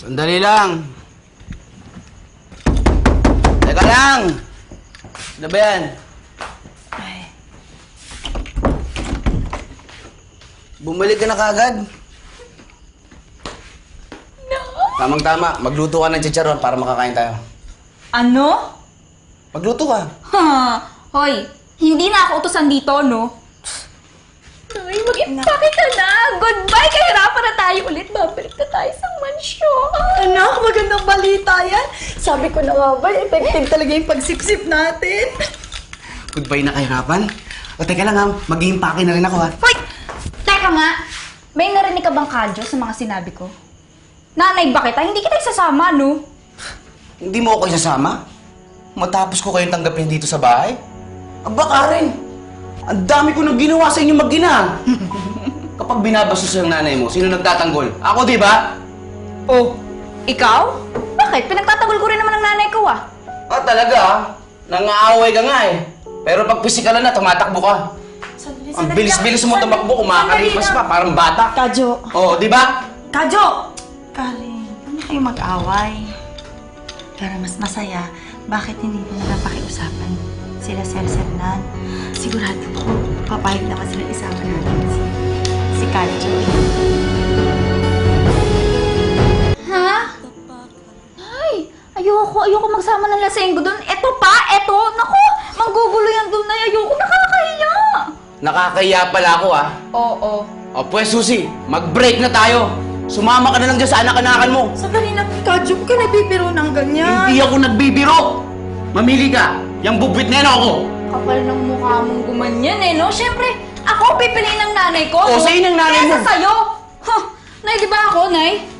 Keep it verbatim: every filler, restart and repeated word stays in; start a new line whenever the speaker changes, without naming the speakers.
Sandali lang. Teka lang. Ano ba yan?
Ay.
Bumalik ka na kagad.
No.
Tamang-tama. Magluto ka ng chicharon para makakain tayo.
Ano?
Magluto ka.
Ha? Hoy, hindi na ako utusan dito, no? Ay, mag-impake ka na. Goodbye, kahirapan na tayo ulit. Babalik na tayo sa mansyon.
Anak, magandang balita yan. Sabi ko na nga ba, effective talaga yung pagsipsip natin.
Goodbye na kahirapan. O teka lang ha, mag-iimpake na rin ako ha.
Hoy! Teka nga, may narinig ka bang kadyo sa mga sinabi ko? Nanay ba kita? Hindi kita isasama, no?
Hindi mo ako isasama? Matapos ko kayong tanggapin dito sa bahay? Aba Karen, ang dami ko nang ginawa sa inyo mag-ina. Kapag binabastos yung nanay mo, sino nagtatanggol? Ako, di ba?
Oh, ikaw? Bakit? Pinagtatanggol ko rin naman ng nanay ko, ah.
Ah, talaga ah. Nangaaway ka nga eh. Pero pag pisikalan na, tumatakbo ka.
Sandali,
Ang bilis-bilis mo tumakbo, kumakalipas pa, parang bata.
Kadyo.
Oo, di ba?
Kadyo! Karen, hindi kayo mag-away. Para mas masaya, bakit hindi mo na pakiusapan sila Sir Sernan? Sigurado ko, papayag naman sila isama natin si, si Kadyo.
Ha? Ay, ayoko, ayoko magsama ng lasenggo doon. Eto pa, eto. Naku, manggugulo yan doon na. Ayoko, nakakahiya.
Nakakaya pala ako ah.
Oo.
O pues Susi, mag-break na tayo. Sumama ka na lang dyan sa anak-anakan mo.
Sandali na, Kadyo, huwag ka nabibiro ng ganyan.
Hindi ako nagbibiro. Mamili ka. Yang bubwit na yan ako.
Kapal ng mukha mong gumanyan eh, no? Siyempre, ako pipiliin ng nanay ko.
O,
no?
sa'yo ng nanay mo.
Kesa sa'yo. Huh, Nay, di ba ako, Nay?